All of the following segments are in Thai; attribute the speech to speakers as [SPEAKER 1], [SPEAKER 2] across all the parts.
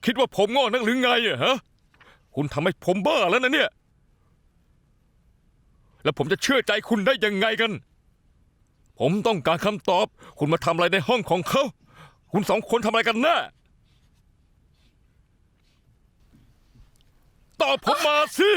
[SPEAKER 1] คิดว่าผมโง่นักหรือไงอะฮะคุณทำให้ผมบ้าแล้วนะเนี่ยแล้วผมจะเชื่อใจคุณได้ยังไงกันผมต้องการคำตอบคุณมาทำอะไรในห้องของเขาคุณสองคนทำอะไรกันแน่ตอบผมมาสิ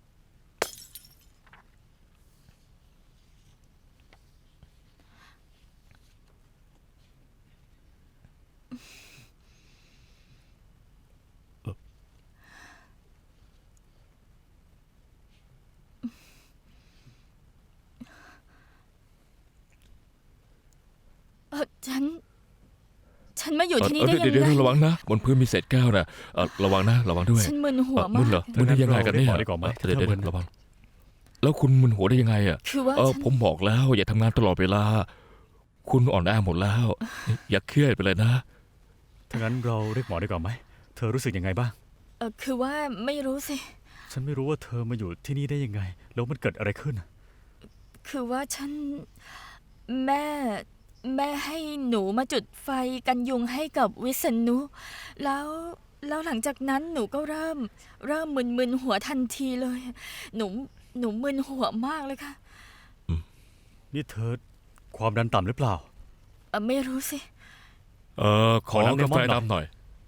[SPEAKER 2] ฉันมาอยู่ที่นี่ได้ยังไง
[SPEAKER 1] เดี๋ยวระวังนะบนพื้นมีเศษแก้วนะระวังนะระวังด้วย
[SPEAKER 2] ฉันมึนหัว
[SPEAKER 1] มึ
[SPEAKER 2] มาน
[SPEAKER 1] เหร
[SPEAKER 2] ก
[SPEAKER 1] อมึนได้ยังไงกันเนี่ย
[SPEAKER 3] ดีกว่าไหม
[SPEAKER 1] เดี๋ยวระวังแล้วคุณมึนหัวได้ยังไงอ่ะ
[SPEAKER 2] คือว่าฉัน
[SPEAKER 1] ผมบอกแล้วอย่าทำงานตลอดเวลาคุณอ่อนแอหมดแล้วอย่าเครียดไปเลยนะ
[SPEAKER 3] ถ้างั้นเราเรียกหมอดีกว่าไหมเธอรู้สึกยังไงบ้าง
[SPEAKER 2] คือว่าไม่รู้สิ
[SPEAKER 3] ฉันไม่รู้ว่าเธอมาอยู่ที่นี่ได้ยังไงแล้วมันเกิดอะไรขึ้น
[SPEAKER 2] คือว่าแม่แม่ให้หนูมาจุดไฟกันยุงให้กับวิษณุแล้วหลังจากนั้นหนูก็เริ่มมึนหัวทันทีเลย หนูมึนหัวมากเลยค่ะ
[SPEAKER 3] นี่เธอความดันต่ำหรือเปล่า
[SPEAKER 2] ไม่รู้สิ
[SPEAKER 1] ขอกาแฟดำหน่อย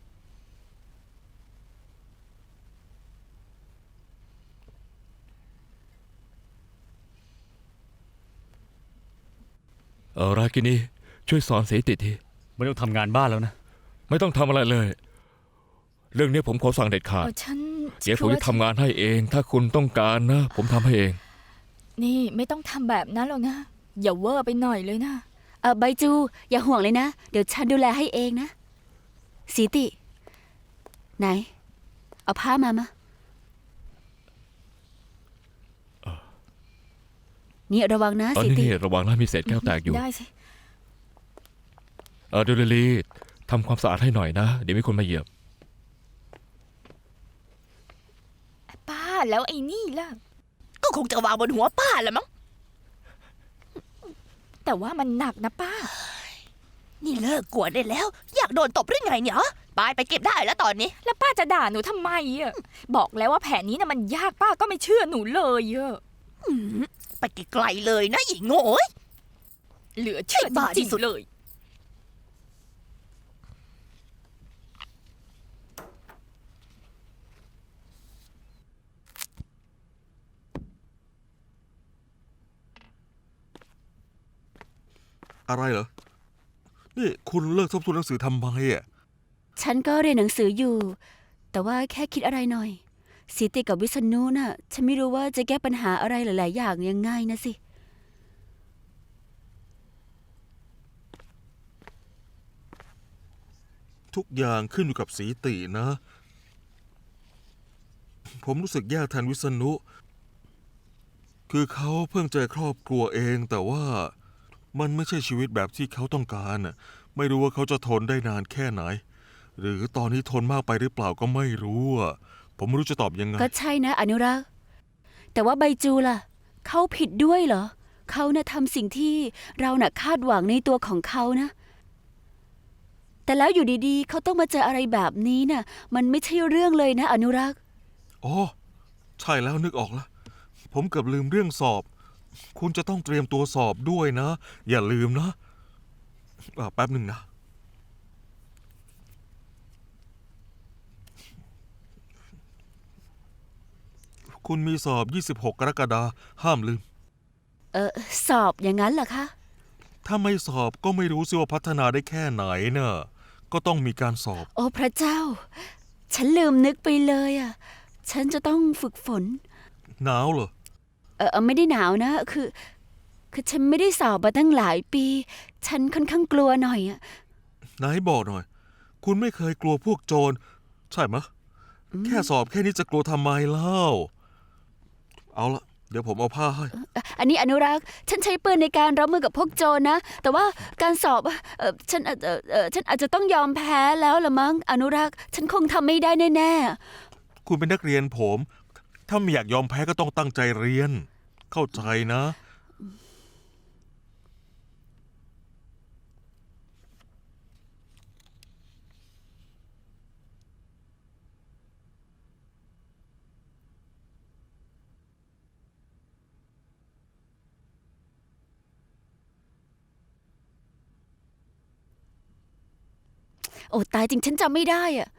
[SPEAKER 1] รากินีช่วยสอนเสติที
[SPEAKER 3] ไม่ต้องทำงานบ้านแล้วนะ
[SPEAKER 1] ไม่ต้องทำอะไรเลย เรื่องนี้ผมขอสั่งเด็ดขาดเดี๋ยวผมจะทำงานให้เอง ถ้าคุณต้องการนะ ผมทำให้เอง
[SPEAKER 2] นี่ไม่ต้องทำแบบนั้นหรอกนะ อย่าเวอร์ไปหน่อยเลยนะ
[SPEAKER 4] ใบจูอย่าห่วงเลยนะ เดี๋ยวฉันดูแลให้เองนะสีติ ไหน เอาผ้ามานี่ระวังนะสีติ
[SPEAKER 1] นี่ระวังนะมีเศษแก้วแตกอยู่
[SPEAKER 2] ได้สิ
[SPEAKER 1] เดลิลีทำความสะอาดให้หน่อยนะ เดี๋ยวมีคนมาเหยียบ
[SPEAKER 2] ป้าแล้วไอ้นี่ล่ะ
[SPEAKER 5] ก็คงจะวางบนหัวป้าแหละมั้ง
[SPEAKER 2] แต่ว่ามันหนักนะป้า
[SPEAKER 5] นี่เลิกกวนได้แล้ว อยากโดนตบหรือไงเนี่ยไปเก็บได้แล้วตอนนี้
[SPEAKER 2] แล้วป้าจะด่าหนูทำไมอ่ะ บอกแล้วว่าแผนนี้นะมันยากป้าก็ไม่เชื่อหนูเลยอ่ะ
[SPEAKER 5] ไปไกลๆเลยนะอีโง่ย
[SPEAKER 2] เหลือเชื่อ
[SPEAKER 5] ไอ้บ้า
[SPEAKER 2] จ
[SPEAKER 5] ที่
[SPEAKER 2] ริง
[SPEAKER 5] สุด
[SPEAKER 2] ๆเลย
[SPEAKER 6] อะไรเหรอ นี่คุณเลิกทบทวนหนังสือทำไมอ่ะ
[SPEAKER 4] ฉันก็เรียนหนังสืออยู่ แต่ว่าแค่คิดอะไรหน่อยสีติกับวิษณุน่ะ ฉันไม่รู้ว่าจะแก้ปัญหาอะไรหลาย ๆ อย่างยังไงนะสิ
[SPEAKER 6] ทุกอย่างขึ้นอยู่กับสีตินะ ผมรู้สึกแย่แทนวิษณุ คือเขาเพิ่งเจอครอบครัวเอง แต่ว่ามันไม่ใช่ชีวิตแบบที่เขาต้องการน่ะไม่รู้ว่าเขาจะทนได้นานแค่ไหน หรือตอนนี้ทนมากไปหรือเปล่าก็ไม่รู้อ่ะผมไม่รู้จะตอบยังไง
[SPEAKER 4] ก็ใช่นะอนุรักษ์แต่ว่าใบจูล่ะ เขาผิดด้วยเหรอ เขาน่ะทำสิ่งที่เราน่ะคาดหวังในตัวของเขานะ แต่แล้วอยู่ดีๆ เขาต้องมาเจออะไรแบบนี้น่ะ มันไม่ใช่เรื่องเลยนะอนุรักษ์
[SPEAKER 6] อ๋อ ใช่แล้วนึกออกแล้ว ผมเกือบลืมเรื่องสอบ คุณจะต้องเตรียมตัวสอบด้วยนะ อย่าลืมนะแป๊บหนึ่งนะ คุณมีสอบ 26 กรกฎาคมห้ามลืม
[SPEAKER 4] สอบอย่างนั้นเหรอคะ
[SPEAKER 6] ถ้าไม่สอบก็ไม่รู้สิว่าพัฒนาได้แค่ไหนเนอะก็ต้องมีการสอบ
[SPEAKER 4] โอ้พระเจ้า ฉันลืมนึกไปเลยอ่ะ ฉันจะต้องฝึกฝน
[SPEAKER 6] หนาวเหรอ
[SPEAKER 4] ไม่ได้หนาวนะ คือฉันไม่ได้สอบมาตั้งหลายปี ฉันค่อนข้างกลัวหน่อยอ่ะ
[SPEAKER 6] ไหนบอกหน่อย คุณไม่เคยกลัวพวกโจร ใช่ไหมะ แค่สอบแค่นี้จะกลัวทำไมเล่า เอาละเดี๋ยวผมเอาผ้าให้
[SPEAKER 4] อันนี้อนุรักษ์ ฉันใช้ปืนในการรับมือกับพวกโจรนะ แต่ว่าการสอบฉันอาจจะต้องยอมแพ้แล้วละมั้ง อนุรักษ์ ฉันคงทำไม่ได้แน่ๆ
[SPEAKER 6] คุณเป็นนักเรียนผม ถ้าไม่อยากยอมแพ้ก็ต้องตั้งใจเรียน เข้าใจนะ
[SPEAKER 4] โอ้ตายจริงฉันจำไม่ได้อะ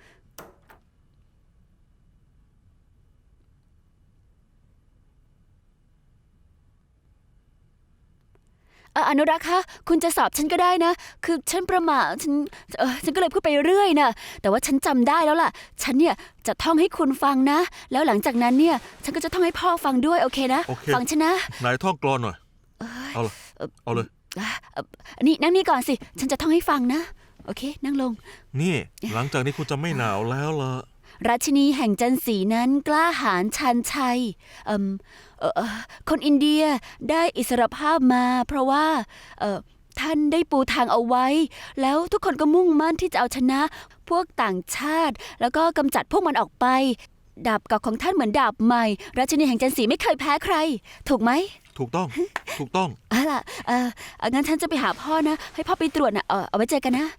[SPEAKER 4] อนุรักษ์คะคุณจะสอบฉันก็ได้นะ คือฉันประหม่าฉันก็เลยพูดไปเรื่อยนะแต่ว่าฉันจำได้แล้วล่ะ ฉันเนี่ยจะท่องให้คุณฟังนะ แล้วหลังจากนั้นเนี่ย ฉันก็จะท่องให้พ่อฟังด้วยโอเคนะ
[SPEAKER 6] โอเค
[SPEAKER 4] ฟังฉันนะ
[SPEAKER 6] นายท่องกลอนหน่อย เอาเลยเอาเลย
[SPEAKER 4] นี่นั่งนี่ก่อนสิ ฉันจะท่องให้ฟังนะ โอเค นั่งลง
[SPEAKER 6] นี่ หลังจากนี้คุณจะไม่หนาวแล้วล่ะ
[SPEAKER 4] ราชินีแห่งจันสีนั้นกล้าหาญชันชัยคนอินเดียได้อิสรภาพมา เพราะว่าท่านได้ปูทางเอาไว้ แล้วทุกคนก็มุ่งมั่นที่จะเอาชนะพวกต่างชาติ แล้วก็กำจัดพวกมันออกไป ดาบเก่าของท่านเหมือนดาบใหม่ ราชินีแห่งจันสีไม่เคยแพ้ใคร ถูกไหม
[SPEAKER 6] ถูกต้อง ถูกต้อง
[SPEAKER 4] ล่ะงั้นฉันจะไปหาพ่อนะ ให้พ่อไปตรวจนะเอาไว้เจอกันนะ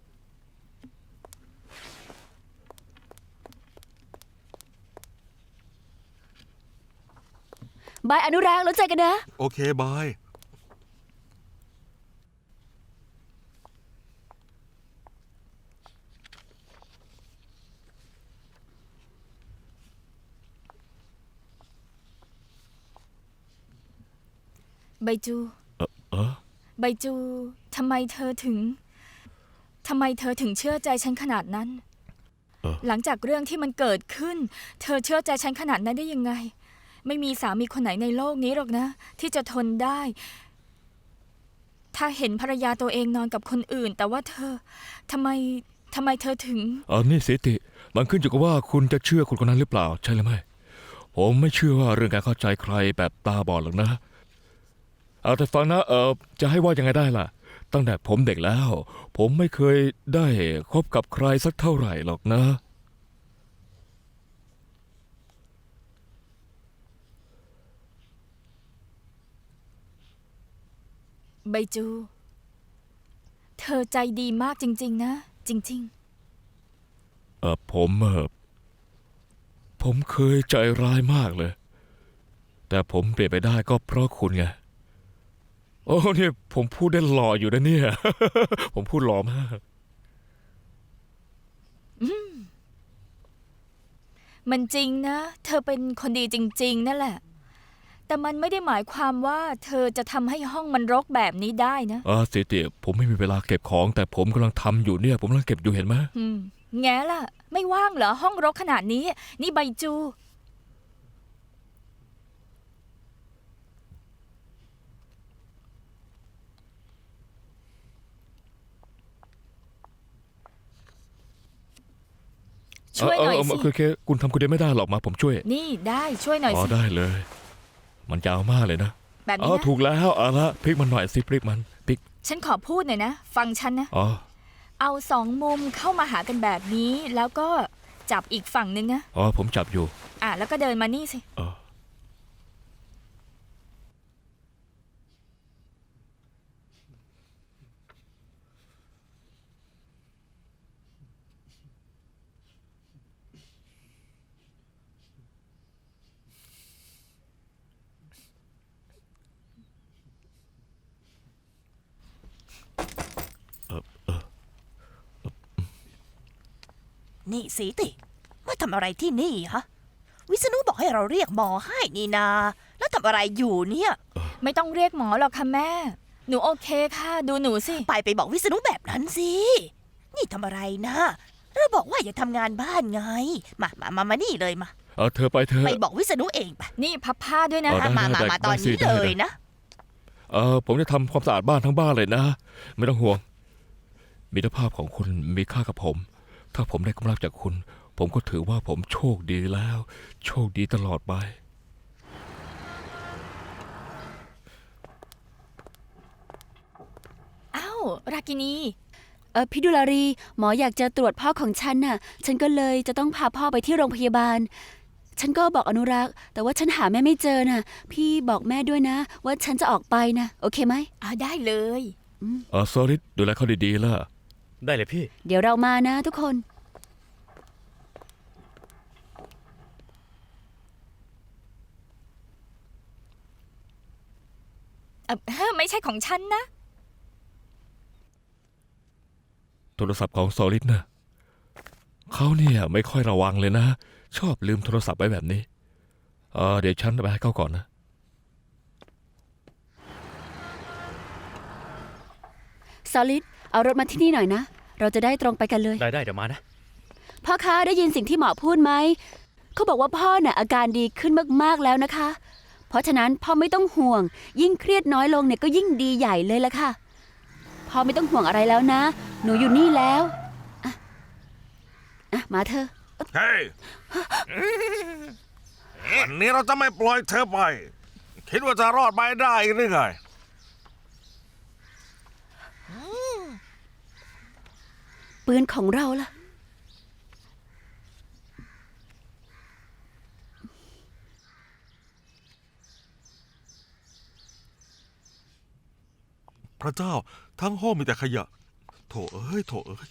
[SPEAKER 4] บายอนุรักษ์แล้วเจอกันนะ
[SPEAKER 6] โอเค บาย
[SPEAKER 2] ใบจู
[SPEAKER 1] เออ
[SPEAKER 2] ใบจูทำไมเธอถึงเชื่อใจฉันขนาดนั้น หลังจากเรื่องที่มันเกิดขึ้น เธอเชื่อใจฉันขนาดนั้นได้ยังไง ไม่มีสามีคนไหนในโลกนี้หรอกนะ ที่จะทนได้ ถ้าเห็นภรรยาตัวเองนอนกับคนอื่น แต่ว่าเธอทำไมเธอถึง
[SPEAKER 1] นี่สิติมันขึ้นอยู่กับว่าคุณจะเชื่อคนคนนั้นหรือเปล่าใช่หรือไม่ผมไม่เชื่อว่าเรื่องการเข้าใจใครแบบตาบอดหรอกนะเอาแต่ฟังนะจะให้ว่ายังไงได้ล่ะ ตั้งแต่ผมเด็กแล้ว ผมไม่เคยได้คบกับใครสักเท่าไหร่หรอกนะ
[SPEAKER 2] ใบจู เธอใจดีมากจริงๆนะ จริง
[SPEAKER 1] ผมเคยใจร้ายมากเลย แต่ผมเปลี่ยนไปได้ก็เพราะคุณไงโอ้เนี่ยผมพูดได้หล่ออยู่นะเนี่ย ผมพูดหล่อมาก
[SPEAKER 2] ๆ มันจริงนะ เธอเป็นคนดีจริง ๆ นั่นแหละ แต่มันไม่ได้หมายความว่าเธอจะทำให้ห้องมันรกแบบนี้ได้นะ
[SPEAKER 1] สิติผมไม่มีเวลาเก็บของ แต่ผมกำลังทำอยู่เนี่ย ผมกำลังเก็บอยู่เห็นไหม
[SPEAKER 2] แง่ล่ะ ไม่ว่างเหรอห้องรกขนาดนี้ นี่ใบจู ช่วยหน่อยสิ
[SPEAKER 1] คือคุณทำคนเดียวไม่ได้หรอกมาผมช่วย
[SPEAKER 2] นี่ได้ช่วยหน่อยสิ
[SPEAKER 1] ได้เลย มันยาวมากเลยนะ
[SPEAKER 2] แบบนี้นะ
[SPEAKER 1] ถูกแล้วเอาละพลิกมันหน่อยสิพลิกมันพลิก
[SPEAKER 2] ฉันขอพูดหน่อยนะ ฟังฉันนะ
[SPEAKER 1] อ๋อ
[SPEAKER 2] เอาสองมุมเข้ามาหากันแบบนี้ แล้วก็จับอีกฝั่งนึงนะ
[SPEAKER 1] ผมจับอยู่
[SPEAKER 2] แล้วก็เดินมานี่สิ
[SPEAKER 1] เออ
[SPEAKER 5] นี่สีติมาทำอะไรที่นี่ฮะ วิษณุบอกให้เราเรียกหมอให้นี่นา แล้วทำอะไรอยู่เนี่ย
[SPEAKER 2] ไม่ต้องเรียกหมอหรอกค่ะแม่ หนูโอเคค่ะ ดูหนูสิ
[SPEAKER 5] ไปบอกวิษณุแบบนั้นสิ นี่ทำอะไรนะเราบอกว่าอย่าทำงานบ้านไง มานี่เลยมา
[SPEAKER 1] เธอไปเธอ
[SPEAKER 5] ไปบอกวิษณุเองไป
[SPEAKER 2] นี่พับผ้าด้วยนะ
[SPEAKER 1] ได้
[SPEAKER 5] มาตอนนี้
[SPEAKER 1] ได้
[SPEAKER 5] เลยนะ
[SPEAKER 1] ผมจะทำความสะอาดบ้านทั้งบ้านเลยนะ ไม่ต้องห่วงมิตรภาพของคุณมีค่ากับผม ถ้าผมได้กำลังจากคุณ ผมก็ถือว่าผมโชคดีแล้ว โชคดีตลอดไป
[SPEAKER 2] อ้าวรากินี
[SPEAKER 4] พี่ดุลารี หมออยากจะตรวจพ่อของฉันน่ะ ฉันก็เลยจะต้องพาพ่อไปที่โรงพยาบาล ฉันก็บอกอนุรักษ์แต่ว่าฉันหาแม่ไม่เจอน่ะ พี่บอกแม่ด้วยนะ ว่าฉันจะออกไปนะโอเคไหม
[SPEAKER 2] ได้เลย
[SPEAKER 1] ซอริสดูแลเขาดีๆล่ะ
[SPEAKER 3] ได้เลยพี่
[SPEAKER 4] เดี๋ยวเรามานะทุกคน
[SPEAKER 2] ไม่ใช่ของฉันนะ
[SPEAKER 1] โทรศัพท์ของโซลิดนะเขาเนี่ยไม่ค่อยระวังเลยนะ ชอบลืมโทรศัพท์ไว้แบบนี้เดี๋ยวฉันไปให้เขาก่อนนะ
[SPEAKER 4] ซอลิดเอารถมาที่นี่หน่อยนะ เราจะได้ตรงไปกันเลย
[SPEAKER 3] ได้เดี๋ยวมานะ
[SPEAKER 4] พ่อคะได้ยินสิ่งที่หมอพูดไหม เขาบอกว่าพ่อน่ะอาการดีขึ้นมากๆแล้วนะคะ เพราะฉะนั้นพ่อไม่ต้องห่วง ยิ่งเครียดน้อยลงเนี่ยก็ยิ่งดีใหญ่เลยละค่ะ พ่อไม่ต้องห่วงอะไรแล้วนะ หนูอยู่นี่แล้วมาเถอะ
[SPEAKER 6] เฮ้ยวันนี้เราจะไม่ปล่อยเธอไป คิดว่าจะรอดไปได้หรือไง
[SPEAKER 4] ปืนของเราล่ะ
[SPEAKER 6] พระเจ้าทั้งห้องมีแต่ขยะ โถเอ้ย โถเอ้ย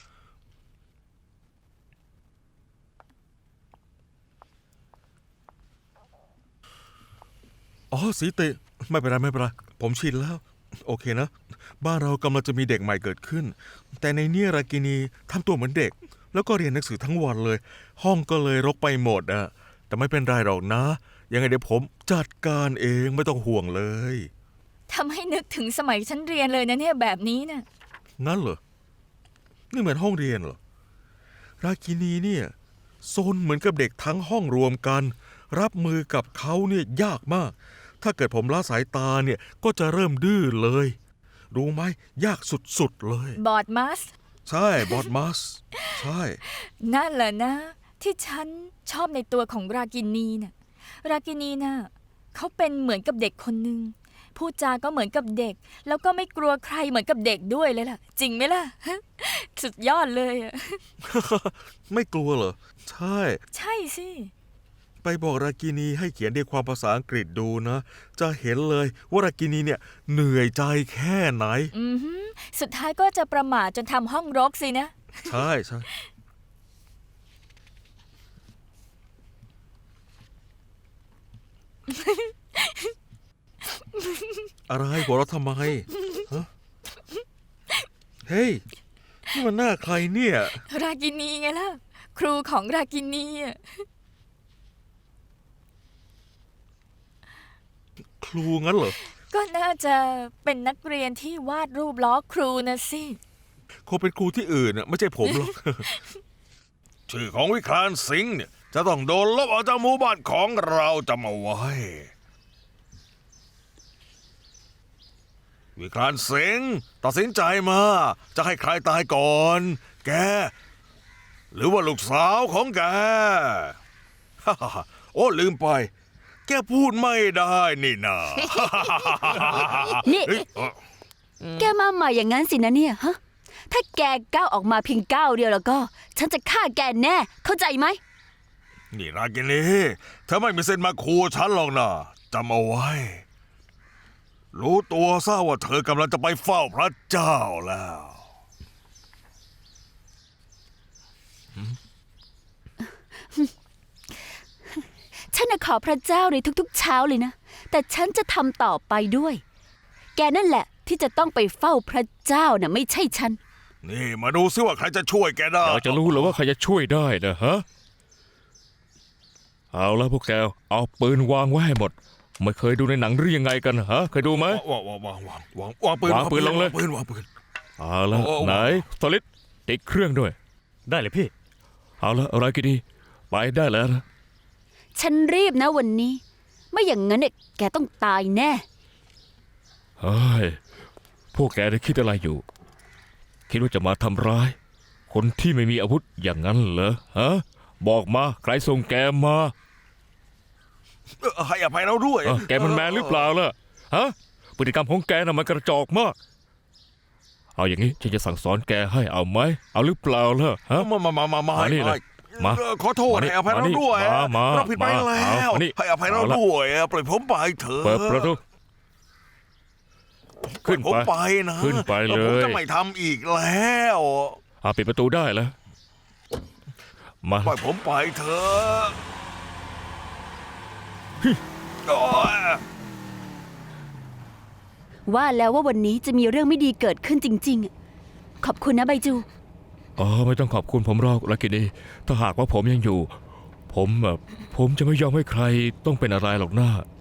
[SPEAKER 6] อ๋อสีติไม่เป็นไรไม่เป็นไร ผมชินแล้ว โอเคนะ บ้านเรากำลังจะมีเด็กใหม่เกิดขึ้น แต่ในเนี่ยรากินีทำตัวเหมือนเด็ก แล้วก็เรียนหนังสือทั้งวันเลย ห้องก็เลยรกไปหมดอะแต่ไม่เป็นไรหรอกนะ ยังไงเดี๋ยวผมจัดการเองไม่ต้องห่วงเลย
[SPEAKER 2] ทำให้นึกถึงสมัยฉันเรียนเลยนะเนี่ยแบบนี้น่ะ
[SPEAKER 6] งั้นเหรอ นี่เหมือนห้องเรียนเหรอ รากินีเนี่ยซนเหมือนกับเด็กทั้งห้องรวมกัน รับมือกับเขาเนี่ยยากมาก ถ้าเกิดผมละสายตาเนี่ยก็จะเริ่มดื้อเลย รู้ไหมยากสุดๆเลย
[SPEAKER 2] บอดมัส
[SPEAKER 6] ใช่บอดมัส ใช่
[SPEAKER 2] นั่นแหละนะ ที่ฉันชอบในตัวของรากินีน่ะ รากินีน่ะเขาเป็นเหมือนกับเด็กคนหนึ่งพูดจาก็เหมือนกับเด็ก แล้วก็ไม่กลัวใครเหมือนกับเด็กด้วยเลยล่ะ จริงไหมล่ะ สุดยอดเลยอะ
[SPEAKER 6] ไม่กลัวเหรอ ใช่
[SPEAKER 2] ใช่สิ
[SPEAKER 6] ไปบอกรากินีให้เขียนเรียงความภาษาอังกฤษดูนะ จะเห็นเลยว่ารากินีเนี่ยเหนื่อยใจแค่ไหน
[SPEAKER 2] อือหือสุดท้ายก็จะประมาทจนทำห้องรกสินะ
[SPEAKER 6] ใช่ใช่ อะไรหัวเราะทำไมฮะเฮ้ย นี่มันหน้าใครเนี่ย
[SPEAKER 2] รากินีไงล่ะ ครูของรากินีอะ
[SPEAKER 6] ครูงั้นเหรอ
[SPEAKER 2] ก็น่าจะเป็นนักเรียนที่วาดรูปล้อครูนะสิ
[SPEAKER 6] คงเป็นครูที่อื่นน่ะไม่ใช่ผมหรอก ชื่อของวิคลานสิงห์เนี่ย จะต้องโดนลบออกจากหมู่บ้านของเราจำเอาไว้ วิคลานสิงห์ตัดสินใจมาจะให้ใครตายก่อน แก หรือว่าลูกสาวของแก โอ้ลืมไป แกพูดไม่ได้นี่นา
[SPEAKER 4] นี่ แกมาใหม่อย่างนั้นสินะเนี่ยฮะ ถ้าแกก้าวออกมาเพียงก้าวเดียวแล้วก็ ฉันจะฆ่าแกแน่ เข้าใจไหม
[SPEAKER 6] นี่รากินีเธอไม่มีเส้นมาคูฉันหรอกนะจำเอาไว้ รู้ตัวซะว่าเธอกำลังจะไปเฝ้าพระเจ้าแล้ว
[SPEAKER 4] ฉันน่ะขอพระเจ้าในทุกๆเช้าเลยนะ แต่ฉันจะทำต่อไปด้วย แกนั่นแหละที่จะต้องไปเฝ้าพระเจ้าน่ะไม่ใช่ฉัน
[SPEAKER 6] นี่มาดูซิว่าใครจะช่วยแกได้
[SPEAKER 1] อยากจะรู้เหรือว่าใครจะช่วยได้นะฮะ เอาละพวกแกเอาปืนวางไว้ให้หมด ไม่เคยดูในหนังหรือยังไงกันฮะ เคยดูไหม
[SPEAKER 6] วางปืน
[SPEAKER 1] วางปืนลงเลย
[SPEAKER 6] วางปืน
[SPEAKER 1] เอาละ
[SPEAKER 6] โอ้
[SPEAKER 1] ไหนสลิดติดเครื่องด้วย
[SPEAKER 3] ได้เลยพี่
[SPEAKER 1] เอาละอะไรกันดีไปได้แล้วนะ
[SPEAKER 4] ฉันรีบนะวันนี้ ไม่อย่างนั้นเนี่ยแกต้องตายแน่
[SPEAKER 1] เฮ้ย พวกแกได้คิดอะไรอยู่ คิดว่าจะมาทำร้าย คนที่ไม่มีอาวุธอย่างนั้นเหรอฮะ บอกมาใครส่งแกมา
[SPEAKER 6] ให้อภัยเราด้วย
[SPEAKER 1] แกมันแมนหรือเปล่าล่ะฮะพฤติกรรมของแกน่ะมันกระจอกมาก เอาอย่างนี้ฉันจะสั่งสอนแกให้เอาไหมเอาหรือเปล่าล่ะฮะ
[SPEAKER 6] มา
[SPEAKER 1] มานี่เลยมา
[SPEAKER 6] ขอโทษ
[SPEAKER 1] มานี่
[SPEAKER 6] ให้อภัยเราด้วย
[SPEAKER 1] มา
[SPEAKER 6] เราผิดไป
[SPEAKER 1] มา
[SPEAKER 6] แล้ว
[SPEAKER 1] เอามานี่
[SPEAKER 6] ให้อภัยเรา
[SPEAKER 1] เอาละ
[SPEAKER 6] ด้วยปล่อยผมไปเถอะ
[SPEAKER 1] เปิดประตู ขึ้น
[SPEAKER 6] ผม
[SPEAKER 1] ไป
[SPEAKER 6] ไปนะ
[SPEAKER 1] ขึ้นไปเลย
[SPEAKER 6] ผมจะไม่ทำอีกแล้ว
[SPEAKER 1] ปิดประตูได้แล้ว มา
[SPEAKER 6] ปล่อยผมไปเถอะโอ๊ย
[SPEAKER 4] ว่าแล้วว่าวันนี้จะมีเรื่องไม่ดีเกิดขึ้นจริงๆ ขอบคุณนะไบจู
[SPEAKER 1] อ๋อไม่ต้องขอบคุณผมหรอกลักกินีถ้าหากว่าผมยังอยู่ ผมจะไม่ยอมให้ใครต้องเป็นอะไรหรอกนะ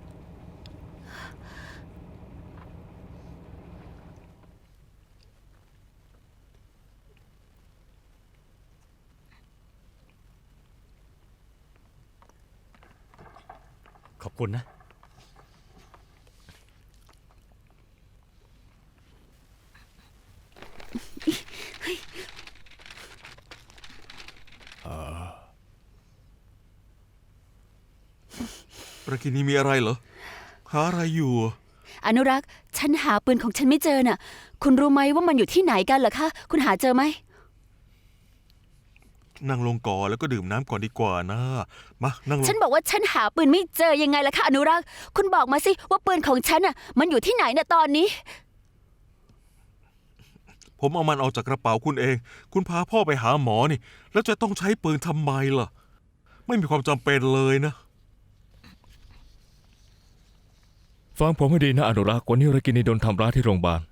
[SPEAKER 3] ขอบคุณนะ
[SPEAKER 6] รากินีมีอะไรเหรอ หาอะไรอยู่
[SPEAKER 4] อนุรักษ์ฉันหาปืนของฉันไม่เจอน่ะ คุณรู้ไหมว่ามันอยู่ที่ไหนกันเหรอคะ คุณหาเจอไหม
[SPEAKER 6] นั่งลงก่อนแล้วก็ดื่มน้ำก่อนดีกว่านะ มานั่งลง
[SPEAKER 4] ฉันบอกว่าฉันหาปืนไม่เจอยังไงล่ะคะอนุรักษ์ คุณบอกมาสิว่าปืนของฉันน่ะมันอยู่ที่ไหนน่ะตอนนี้
[SPEAKER 6] ผมเอามันออกจากกระเป๋าคุณเอง คุณพาพ่อไปหาหมอนี่ แล้วจะต้องใช้ปืนทำไมล่ะ ไม่มีความจำเป็นเลยนะ
[SPEAKER 1] ฟังผมให้ดีนะอนุรักษ์วันนี้ลักกินีโดนทำร้ายที่โรงพยาบาล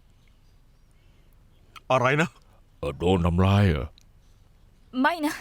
[SPEAKER 6] อะไรนะ
[SPEAKER 1] โดนทำร้ายเหรอ
[SPEAKER 2] ไม่นะ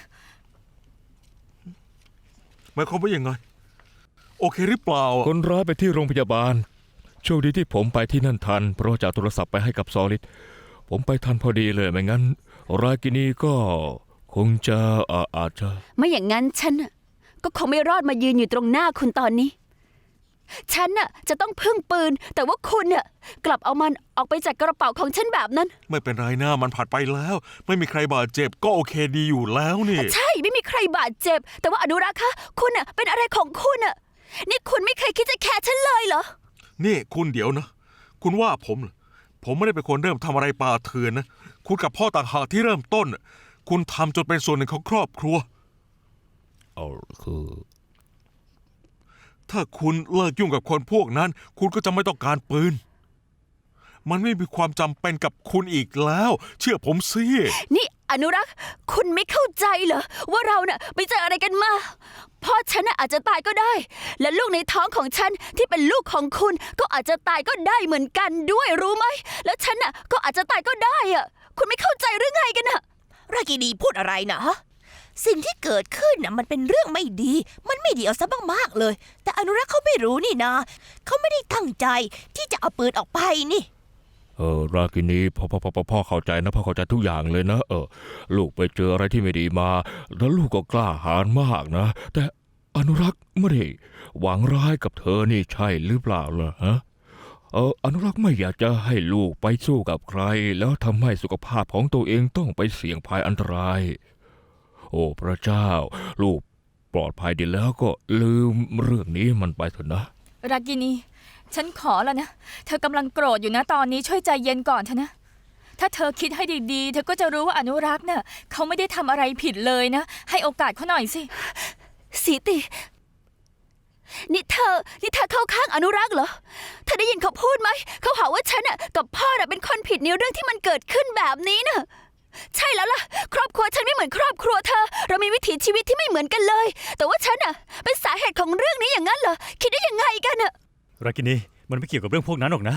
[SPEAKER 6] หมายความว่ายังไง โอเคหรือเปล่าอะ
[SPEAKER 1] คนร้ายไปที่โรงพยาบาลโชคดีที่ผมไปที่นั่นทันเพราะว่าจะเอาโทรศัพท์ไปให้กับซอลิดผมไปทันพอดีเลยไม่งั้นรากินีก็คงจะอาจจะ
[SPEAKER 4] ไม่อย่างนั้นฉันน่ะก็คงไม่รอดมายืนอยู่ตรงหน้าคุณตอนนี้ ฉันน่ะจะต้องพึ่งปืน แต่ว่าคุณน่ะกลับเอามันออกไปจากกระเป๋าของฉันแบบนั้น
[SPEAKER 6] ไม่เป็นไรนะมันผ่านไปแล้ว ไม่มีใครบาดเจ็บก็โอเคดีอยู่แล้วนี่
[SPEAKER 4] ใช่ไม่มีใครบาดเจ็บ แต่ว่าอนุรักษ์คะคุณน่ะเป็นอะไรของคุณน่ะนี่คุณไม่เคยคิดจะแคร์ฉันเลยเหรอ
[SPEAKER 6] นี่คุณเดี๋ยวนะ คุณว่าผมเหรอผมไม่ได้เป็นคนเริ่มทำอะไรป่าเถื่อนนะ คุณกับพ่อต่างหากที่เริ่มต้นน่ะคุณทำจนเป็นส่วนหนึ่งของครอบครัว
[SPEAKER 1] เอาคือ
[SPEAKER 6] ถ้าคุณเลิกยุ่งกับคนพวกนั้น คุณก็จะไม่ต้องการปืน มันไม่มีความจำเป็นกับคุณอีกแล้ว เชื่อผมสิ
[SPEAKER 4] นี่อนุรักษ์คุณไม่เข้าใจเหรอว่าเราน่ะไปเจออะไรกันมาพ่อฉันน่ะอาจจะตายก็ได้ และลูกในท้องของฉันที่เป็นลูกของคุณก็อาจจะตายก็ได้เหมือนกันด้วยรู้ไหมแล้วฉันน่ะก็อาจจะตายก็ได้อะคุณไม่เข้าใจหรือไงกันน่ะ
[SPEAKER 5] รากินีพูดอะไรนะสิ่งที่เกิดขึ้นน่ะมันเป็นเรื่องไม่ดี มันไม่ดีเอาซะมากๆเลย แต่อนุรักษ์เขาไม่รู้นี่นะเขาไม่ได้ตั้งใจที่จะเอาปืนออกไปนี่
[SPEAKER 1] รากินีพ่อเข้าใจนะพ่อเข้าใจทุกอย่างเลยนะลูกไปเจออะไรที่ไม่ดีมา แล้วลูกก็กล้าหาญมากนะ แต่อนุรักษ์ไม่ได้หวังร้ายกับเธอนี่ใช่หรือเปล่าล่ะฮะอนุรักษ์ไม่อยากจะให้ลูกไปสู้กับใคร แล้วทำให้สุขภาพของตัวเองต้องไปเสี่ยงภัยอันตราย โอ้พระเจ้า ลูกปลอดภัยดีแล้วก็ลืมเรื่องนี้มันไปเถอะนะ
[SPEAKER 2] รากินี ฉันขอแล้วนะ เธอกำลังโกรธอยู่นะตอนนี้ช่วยใจเย็นก่อนเถอะนะ ถ้าเธอคิดให้ดีๆ เธอก็จะรู้ว่าอนุรักษ์เนี่ยเขาไม่ได้ทำอะไรผิดเลยนะ ให้โอกาสเขาหน่อยสิ
[SPEAKER 4] สีตินี่เธอเข้าข้างอนุรักษ์เหรอเธอได้ยินเขาพูดไหมเขาหาว่าฉันน่ะกับพ่อน่ะเป็นคนผิดในเรื่องที่มันเกิดขึ้นแบบนี้น่ะใช่แล้วล่ะ ครอบครัวฉันไม่เหมือนครอบครัวเธอ เรามีวิถีชีวิตที่ไม่เหมือนกันเลย แต่ว่าฉันน่ะเป็นสาเหตุของเรื่องนี้อย่างนั้นเหรอคิดได้ยังไงกันน่ะ
[SPEAKER 3] รากินีมันไม่เกี่ยวกับเรื่องพวกนั้นหรอกนะ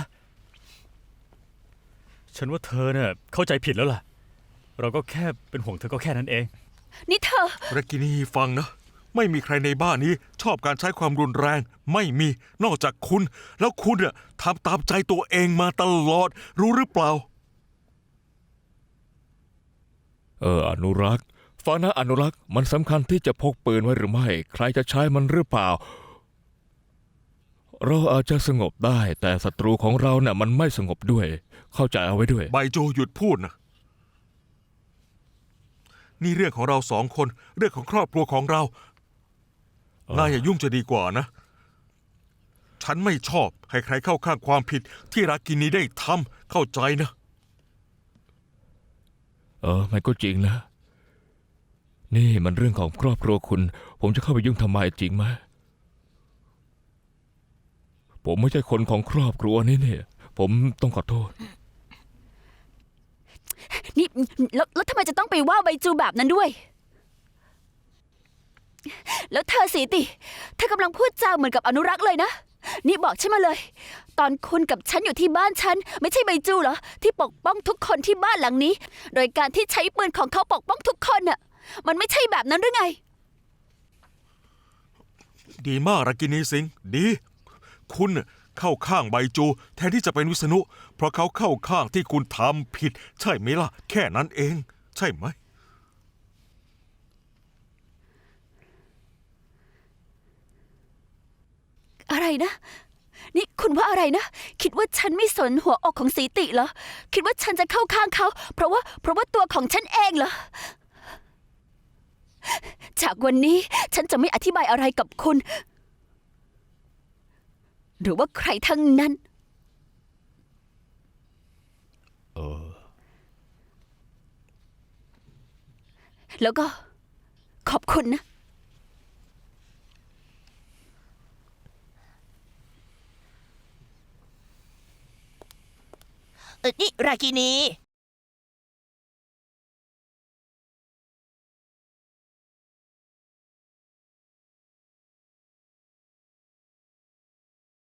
[SPEAKER 3] ฉันว่าเธอเนี่ยเข้าใจผิดแล้วล่ะ เราก็แค่เป็นห่วงเธอก็แค่นั้นเอง
[SPEAKER 4] นี่เธอ
[SPEAKER 6] รากินีฟังนะ ไม่มีใครในบ้านนี้ชอบการใช้ความรุนแรง ไม่มีนอกจากคุณ แล้วคุณน่ะทำตามใจตัวเองมาตลอด รู้หรือเปล่า
[SPEAKER 1] อนุรักษ์ฟังนะอนุรักษ์มันสำคัญที่จะพกปืนไว้หรือไม่ ใครจะใช้มันหรือเปล่า เราอาจจะสงบได้ แต่ศัตรูของเราเนี่ยมันไม่สงบด้วย เข้าใจเอาไว้ด้วย
[SPEAKER 6] ใบโจหยุดพูดนะ นี่เรื่องของเราสองคน เรื่องของครอบครัวของเรา นายอย่ายุ่งจะดีกว่านะ ฉันไม่ชอบให้ใครเข้าข้างความผิดที่รากินีได้ทำเข้าใจนะ
[SPEAKER 1] มันก็จริงนะ นี่มันเรื่องของครอบครัวคุณ ผมจะเข้าไปยุ่งทำไมจริงไหม ผมไม่ใช่คนของครอบครัวนี้เนี่ย ผมต้องขอโทษ
[SPEAKER 4] นี่แล้วทำไมจะต้องไปว่าใบจูแบบนั้นด้วย แล้วเธอสีติเธอกำลังพูดจาเหมือนกับอนุรักษ์เลยนะนี่บอกฉันมาเลย ตอนคุณกับฉันอยู่ที่บ้านฉัน ไม่ใช่ใบจูเหรอ ที่ปกป้องทุกคนที่บ้านหลังนี้ โดยการที่ใช้ปืนของเขาปกป้องทุกคนน่ะ มันไม่ใช่แบบนั้นหรือไง
[SPEAKER 6] ดีมากรากินีสิงห์ดี คุณน่ะเข้าข้างใบจู แทนที่จะเป็นวิษณุ เพราะเขาเข้าข้างที่คุณทำผิด ใช่ไหมล่ะ แค่นั้นเอง ใช่ไหม
[SPEAKER 4] อะไรนะ นี่คุณว่าอะไรนะ คิดว่าฉันไม่สนหัวอกของสีติเหรอ คิดว่าฉันจะเข้าข้างเขา เพราะว่าตัวของฉันเองเหรอ จากวันนี้ฉันจะไม่อธิบายอะไรกับคุณ หรือว่าใครทั้งนั้น แล้วก็ขอบคุณนะ
[SPEAKER 5] นี่รากินี